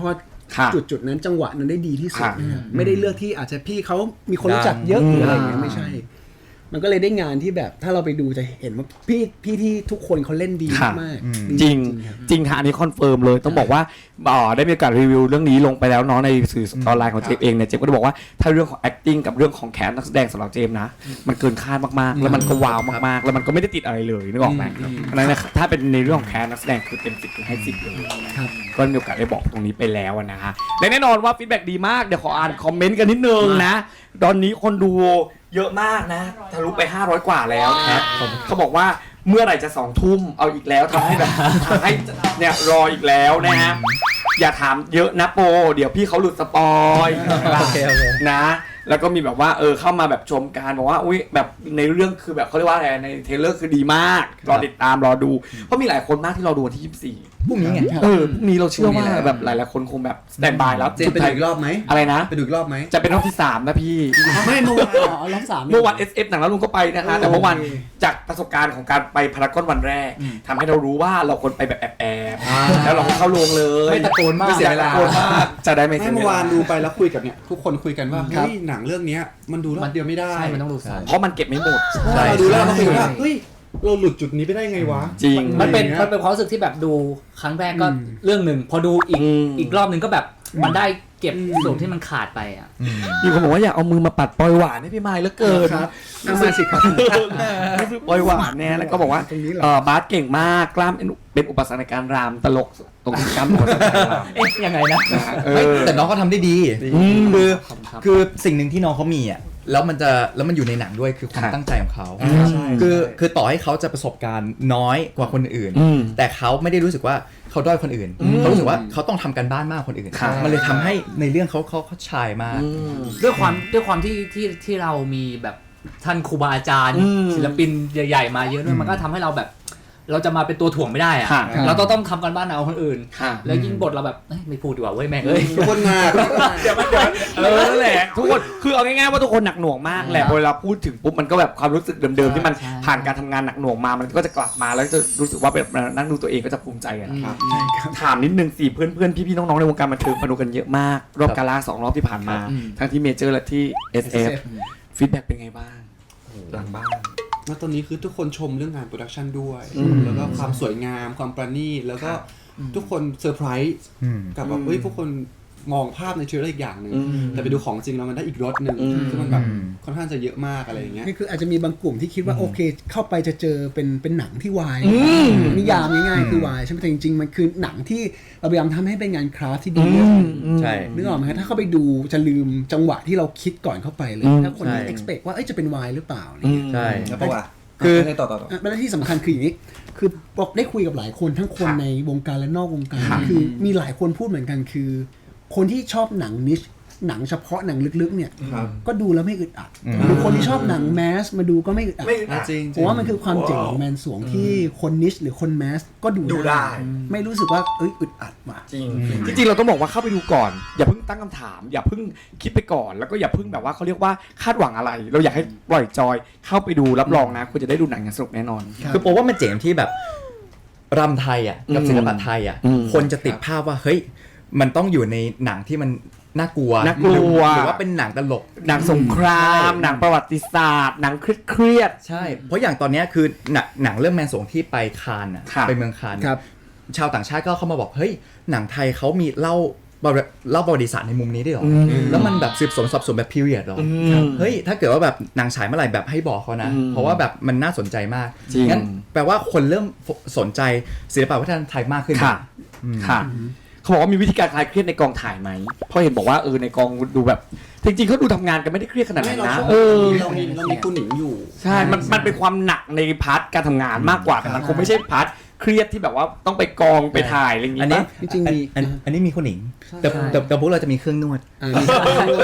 Speaker 3: จุดนั้นจังหวะนั้นได้ดีที่สุดนะครับไม่ได้เลือกที่อาจจะพี่เขามีคนรู้จักเยอะหรืออะไรอย่างเงี้ยไม่ใช่มันก็เลยได้งานที่แบบถ้าเราไปดูจะเห็นว่าพี่ที่ทุกคนเขาเล่นดีมาก
Speaker 1: จริงจริงค่ะอันนี้คอนเฟิร์มเลยต้องบอกว่าได้มีโอกาสรีวิวเรื่องนี้ลงไปแล้วเนาะในสื่อออนไลน์ของเจมเองเนี่ยเจมก็ได้บอกว่าถ้าเรื่องของ acting กับเรื่องของแคสนักแสดงสำหรับเจมนะมันเกินคาดมากๆแล้วมันก็ว้าวมากๆแล้วมันก็ไม่ได้ติดอะไรเลยนึกออกไหมเพราะฉะนั้นถ้าเป็นในเรื่องของแคสนักแสดงคือเต็ม10ให้10เลยก็มีโอกาสได้บอกตรงนี้ไปแล้วนะฮะและแน่นอนว่าฟีดแบ็กดีมากเดี๋ยวขออ่านคอมเมนต์กันนิดนึงนะตอนนี้คนดูเยอะมากนะทะลุไป500กว่าแล้วนะเขาบอกว่าเมื่อไหร่จะ2 ทุ่มเอาอีกแล้วทำให้เนี่ยรออีกแล้วนะฮะอย่าถามเยอะนะโปเดี๋ยวพี่เขาหลุดสปอยนะแล้วก็มีแบบว่าเข้ามาแบบชมการบอกว่าอุ้ยแบบในเรื่องคือแบบเขาเรียกว่าอะไรในเทรลเลอร์คือดีมากรอติดตามรอดูเพราะมีหลายคนมากที่รอดูวันที่24
Speaker 3: พรุ่งนี้ไง
Speaker 1: พรุ่งนี้เราเชื่อว่าแบบหลายๆคนคงแบบสแตนด์บายแล้ว
Speaker 2: จะไปดูอีกรอบไหม
Speaker 1: อะไรนะ
Speaker 2: ไปดูอีกรอบไหม
Speaker 1: จะเป็นรอบที่3นะพี่
Speaker 3: ไม่เมื่อวานรอบ3
Speaker 1: เมื่อวาน SF หนังแล้วลุงก็ไปนะคะแต่เมื่อวานจากประสบการณ์ของการไปพารากอนวันแรกทำให้เรารู้ว่าเราควรไปแบบแอบๆแล้วเราก็เข้าโรงเลย
Speaker 3: ไม่ตะโกนมาก
Speaker 1: ไม่เสียเวลาจะได้ไม่เสียเวลา
Speaker 2: เมื่อวานดูไปแล้วคุยกับเนี่ยทุกคนคุยกันว่าเฮ้ยหนังเรื่องนี้มันดูรอบเดียวไม่ได้
Speaker 5: มันต้องดูซ้ำ
Speaker 1: เพราะมันเก็บไม่หมด
Speaker 2: เราดูแล้วเราคุยว่าเฮ้ยเราหลุดจุดนี้ไปได้ไงวะ
Speaker 1: จริง
Speaker 5: มันเป็นความรู้สึกที่แบบดูครั้งแรกก็เรื่องหนึ่งพอดูอีกรอบนึงก็แบบมันได้เก็บส่วนที่มันขาดไปอ่ะ
Speaker 1: มีคนบอกว่าอยากเอามือมาปัดปล่อยหวานให้พี่ไมค์เหลือเกิน
Speaker 3: ครับมาสิครับ
Speaker 1: นี่คือปล่อยหวานแน่แล้วก็บอกว่าบาสเก่งมากกล้ามเป็นอุปสรรคในการรามตลกตรงกล้ามหัวใจราม
Speaker 5: ยังไงนะ
Speaker 4: แต่น้องเขาทำได้ดีคือสิ่งหนึ่งที่น้องเขามีอ่ะแล้วมันอยู่ในหนังด้วยคือความตั้งใจของเขาคือต่อให้เขาจะประสบการณ์น้อยกว่าคนอื่นแต่เขาไม่ได้รู้สึกว่าเขาด้อยคนอื่นเขารู้สึกว่าเขาต้องทำกันบ้านมากคนอื่นมันเลยทำให้ในเรื่องเขาชายมาก
Speaker 5: ด้วยความที่เรามีแบบท่านครูบาอาจารย์ศิลปินใหญ่ๆมาเยอะด้วยมันก็ทำให้เราแบบเราจะมาเป็นตัวถ่วงไม่ได้อะเราต้องทำกันบ้านเอาคนอื่นแล้วยิ่งบทเราแบบไม่พูดดีกว่าเว้ยแม่ง
Speaker 2: ทุกคนมา
Speaker 1: เดี๋ยวนั่นแหละทุกคนคือเอาง่ายๆว่าทุกคนหนักหน่วงมากแหละเวลาพูดถึงปุ๊บมันก็แบบความรู้สึกเดิมๆที่มันผ่านการทำงานหนักหน่วงมามันก็จะกลับมาแล้วจะรู้สึกว่าแบบนั่งดูตัวเองก็จะภูมิใจอะถามนิดนึงสิเพื่อนๆพี่ๆน้องๆในวงการบันเทิงมาดูกันเยอะมากรอบกาล่า2 รอบที่ผ่านมาทั้งที่เมเจอร์และที่ SF ฟีดแบ็กเป็นไงบ้างหลังบ้าน
Speaker 2: แล้วตอนนี้คือทุกคนชมเรื่องงานโปรดักชันด้วยแล้วก็ความสวยงามความประณีตแล้วก็ทุกคนเซอร์ไพรส์กับแบบพวกคนมองภาพในเทรลเลอร์อีกอย่างนึงแต่ไปดูของจริงแล้วมันได้อีกรสนึงซึ่งมันแบบค่อนข้างจะเยอะมากอะไรอย่างเงี้ย
Speaker 3: นี่คืออาจจะมีบางกลุ่มที่คิดว่าโอเคเข้าไปจะเจอเป็นหนังที่วายนิยามง่ายๆคือวายใช่ไหมแต่จริงๆมันคือหนังที่เราพยายามทำให้เป็นงานคราฟที่ดี
Speaker 4: ใช่
Speaker 3: นึกออกไหมถ้าเข้าไปดูจะลืมจังหวะที่เราคิดก่อนเข้าไปเลยถ้าคน expect ว่าจะเป็นวายหรือเปล่า
Speaker 4: ใช่
Speaker 2: แล้วก็ว่า
Speaker 3: คือ
Speaker 2: ต่อ
Speaker 3: และที่สำคัญคืออย่างนี้คือบอกได้คุยกับหลายคนทั้งคนในวงการและนอกวงการคือมีหลายคนพูดเหมือนกันคือคนที่ชอบหนังนิชหนังเฉพาะหนังลึกๆเนี่ยก็ดูแล้วไม่อึดอัดหรือคนที่ชอบหนังแมสมาดูก็ไม่อึดอัดเพราะว่ามันคือความเจ๋งของแมนสวงที่คนนิชหรือคนแมสก็ดูได้ไม่รู้สึกว่าอึดอัดว่ะ
Speaker 1: จริงเราต้องบอกว่าเข้าไปดูก่อนอย่าเพิ่งตั้งคำถามอย่าเพิ่งคิดไปก่อนแล้วก็อย่าเพิ่งแบบว่าเขาเรียกว่าคาดหวังอะไรเราอยากให้ปล่อยจอยเข้าไปดูรับรองนะคุณจะได้ดูหนังอย่างสนุกแน่นอน
Speaker 4: คือผมว่ามันเจ๋งที่แบบรำไทยอ่ะกับศิลปะไทยอ่ะคนจะติดภาพว่าเฮ้ยมันต้องอยู่ในหนังที่มันน่ากลัวหรือว่าเป็นหนังตลก
Speaker 1: หนังสงครามหนังประวัติศาสตร์หนังเครียด
Speaker 4: ใช่เพราะอย่างตอนนี้คือหนังเรื่องแมนสวงที่ไปคานน่ะไปเมืองคานชาวต่างชาติก็เข้ามาบอกเฮ้ยหนังไทยเขามีเล่าประวัติศาสตร์ในมุมนี้ได้หรอแล้วมันแบบสืบสวนสอบสวนแบบพีเรียดหรอเฮ้ยถ้าเกิดว่าแบบหนังฉายเมื่อไหร่แบบให้บอกเขานะเพราะว่าแบบมันน่าสนใจมากงั้นแปลว่าคนเริ่มสนใจศิลปะวัฒนธรรมไทยมากขึ้น
Speaker 1: ค่ะเขาบอกว่ามีวิธีการคลายเครียดในกองถ่ายไหมเพราะเห็นบอกว่าในกองดูแบบจริงๆเขาดูทำงานกันไม่ได้เครียดขนาดนั้นนะ
Speaker 2: เรามีคุณหนิงอยู่
Speaker 1: ใช่มันเป็นความหนักในพาร์ทการทำงานมากกว่าแต่มันคงไม่ใช่พาร์ทเครียดที่แบบว่าต้องไปกองไปถ่ายอะไรอย่างงี้
Speaker 4: จริงๆอันนี้มีคุณหนิงแต่พวกเราจะมีเครื่องนวด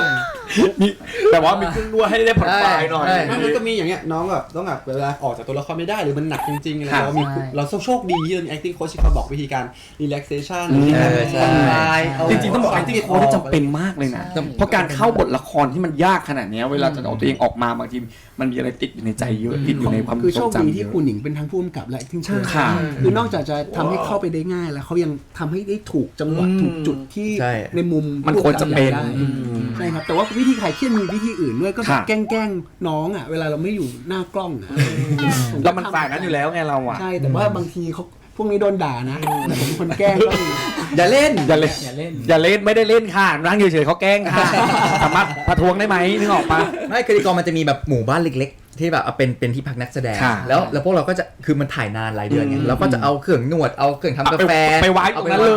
Speaker 1: มีแต่ว่ามีเครื่องนวดให้ได้ผ่อนคลายหน่อย
Speaker 2: มันก็มีอย่างเงี้ยน้องแบบต้องแบบเวลาออกจากตัวละครไม่ได้หรือมันหนักจริงๆอะไรเราโชคดีที่มี acting coach ที่เขาบอกวิธีการ relaxation วิธีการผ่อนคลาย
Speaker 1: จริงๆต้องบอก acting coach ที่จำเป็นมากเลยนะเพราะการเข้าบทละครที่มันยากขนาดนี้เวลาจะเอาตัวเองออกมาบางทีมันมีอะไรติดอยู่ในใจเยอะติดอยู่ในความ
Speaker 3: คือ
Speaker 1: ท
Speaker 3: โช
Speaker 1: รง
Speaker 3: คดี
Speaker 1: จำ
Speaker 3: ที่คุณหนิงเป็นทั้งผู้กำกับและ acting coach
Speaker 1: ค่ะ
Speaker 3: คือนอกจากจะทำให้เข้าไปได้ง่ายแล้วเขายังทำให้ได้ถูกจังหวะถูกจุดที่
Speaker 4: ใช่
Speaker 3: ในมุม
Speaker 1: มันควรจะเป็น
Speaker 3: ได้ใช่ครับแต่ว่าวิธีขายเครียดมีวิธีอื่นด้วยก็แบบแกล้งน้องอ่ะเวลาเราไม่อยู่หน้ากล้องอ่ะ
Speaker 1: แล้วมันฝ่ายนั้นอยู่แล้วไงเราอ่ะ
Speaker 3: ใช่แต่ว่าบางทีเขาพวกนี้โดนด่านะแต่ผมเป็นคนแกล้งก็มี
Speaker 1: อย่าเล่นอย่าเล่น
Speaker 5: อย่าเล่น
Speaker 1: อย่าเล่นไม่ได้เล่นค่ะนั่งเฉยๆเขาแกล้งค่ะสามารถประท้วงได้ไหมนึกออกปะ
Speaker 4: ไม่คือในกองมันจะมีแบบหมู่บ้านเล็กๆ ที่แบบเอาเป็นที่พักนักแสดง
Speaker 1: ค่ะ
Speaker 4: แล้วพวกเราก็จะคือมันถ่ายนานหลายเดือนไงเราก็จะเอาเครื่องนวดเอาเครื่องทำกาแฟ
Speaker 1: ไปไว้ตรงนั้นเลย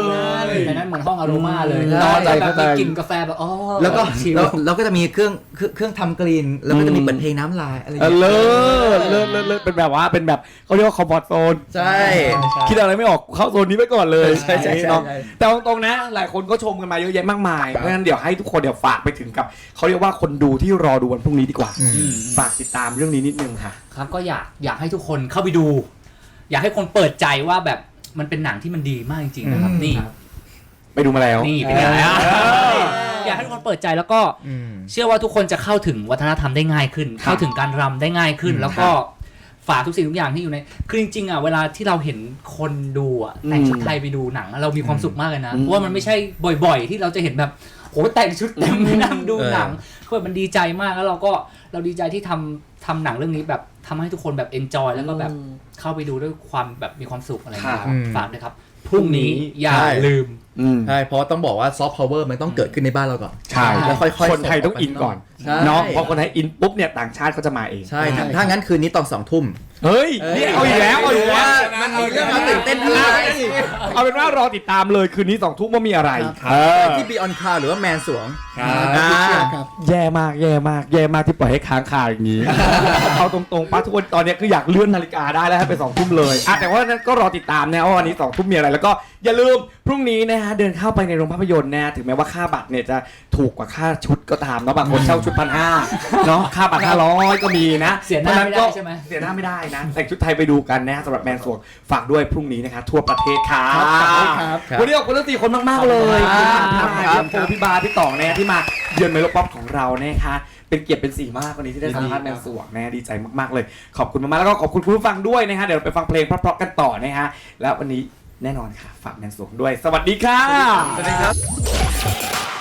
Speaker 5: ในนั้นเหมือนห้องอโรมาเลย
Speaker 4: ใช่
Speaker 5: นอนแล้วแบบ
Speaker 1: เข้าใจ
Speaker 5: มีกลิ่นกาแฟแบบอ๋อ
Speaker 4: แล้วก็
Speaker 5: ชิล
Speaker 4: เราก็จะมีเครื่องทำกลิ่นแล้วก็จะมีเปิดเพลงน้ำลายอะไรอย่าง
Speaker 1: เลิ
Speaker 4: เงี้ย
Speaker 1: ศเป็นแบบว่าเป็นแบบเขาเรียกว่าคอมฟอร์ตโซน
Speaker 4: ใช่
Speaker 1: คิดอะไรไม่ออกเข้าโซนนี้ไปก่อนเลย
Speaker 4: ใช่ใช่ใช่
Speaker 1: เนาะแต่ตรงๆนะหลายคนก็ชมกันมาเยอะแยะมากมายเพราะฉะนั้นเดี๋ยวให้ทุกคนเดี๋ยวฝากไปถึงกับเขาเรียกว่าคนดูที่รอดูวันพรุ่งนี้ดีกว่าฝากติดตามเรื่องนี้นิดนึงค่ะ
Speaker 5: ครับก็อยากให้ทุกคนเข้าไปดู อยากให้คนเปิดใจว่าแบบมันเป็นหนังที่มันดีมากจริงๆนะครับนี่
Speaker 1: ไปดูมาแล้ว
Speaker 5: นี่เป็นไงอ่ะอยากให้ทุกคนเปิดใจแล้วก็เชื่อว่าทุกคนจะเข้าถึงวัฒนธรรมได้ง่ายขึ้น เข้าถึงการรำได้ง่ายขึ้น แล้วก็ฝากทุกสิ่งทุกอย่างที่อยู่ในคือจริงๆอ่ะเวลาที่เราเห็นคนดูอ่ะแต่งชุดไทยไปดูหนังเรามีความสุขมากเลยนะเพราะว่ามันไม่ใช่บ่อยๆ ที่เราจะเห็นแบบโอ้แต่งชุดเต็มไปนั่งดูหนังคือมันดีใจมากแล้วเราดีใจที่ทำหนังเรื่องนี้แบบทำให้ทุกคนแบบเอนจอยแล้วก็แบบเข้าไปดูด้วยความแบบมีความสุขอะไรอย่างเงี้ยครับฝากด้วยครับพรุ่งนี้อย่าลืม
Speaker 4: ใช่เพราะต้องบอกว่าซอฟต์พาวเวอร์มันต้องเกิดขึ้นในบ้านเราก่อน
Speaker 1: ใช่
Speaker 4: แล้วค่อยๆ
Speaker 1: คนไทยต้องอินก่อน
Speaker 4: ใช่
Speaker 1: เนาะเพราะคนไทยอินปุ๊บเนี่ยต่างชาติเขาจะมาเอง
Speaker 4: ใช่ถ้างั้นคืนนี้ตอน2 ทุ่ม
Speaker 1: เฮ้ยนี่เอาอีกแล้วเอาอีกแล้ว
Speaker 4: มันมีเรื่องมาตื่นเต้นอะไร
Speaker 1: เอาเป็นว่ารอติดตามเลยคืนนี้2 ทุ่มว่ามีอะไร
Speaker 4: ที่ Beyond Cloud หรือว่าแมนสวง
Speaker 3: ครับ
Speaker 1: แย่มากที่ปล่อยให้ค้างคาอย่างนี้ เอาตรงๆป้าทุกคนตอนนี้คืออยากเลื่อนนาฬิกาได้แล้วให้ไป2 ทุ่มเลยแต่ว่านั้นก็รอติดตามนะว่าวันนี้2 ทุ่มมีอะไรแล้วก็อย่าลืมพรุ่งนี้นะฮะเดินเข้าไปในโรงภาพยนตร์นะถึงแม้ว่าค่าบัตรเนี่ยจะถูกกว่าค่าชุดก็ตามเนาะบางคนเช่าชุด1,500เนาะค่าบัตร500ก็มีนะ
Speaker 5: เสียหน้าไม่ได้ใช่ไหม
Speaker 1: เสียหน้าไม่ได้นะแต่งชุดไทยไปดูกันนะสำหรับแมนสวงฝากด้วยพรุ่งนี้นะคะทั่วประเทศค่ะ
Speaker 3: ครับ
Speaker 1: วันนี้ขอบคุณทั้ง4 คนมากๆเลยครับพี่บาพี่ต่องนะที่มาเยือนเมโลป๊อปของเรานะคะเป็นเกียรติเป็นสีมากวันนี้ที่ได้สัมภาษณ์แมนสวงนะดีใจมากๆเลยขอบคุณมากๆแล้วก็ขอบคุณคุณผู้ฟังด้วยนะฮะเดี๋ยวเราไปฟังเพลงเพราะๆกันต่อนะฮะแล้ววันนี้แน่นอนค่ะฝากแมนสวงด้วยสวัสดีค่ะ
Speaker 4: สวัสดีครับ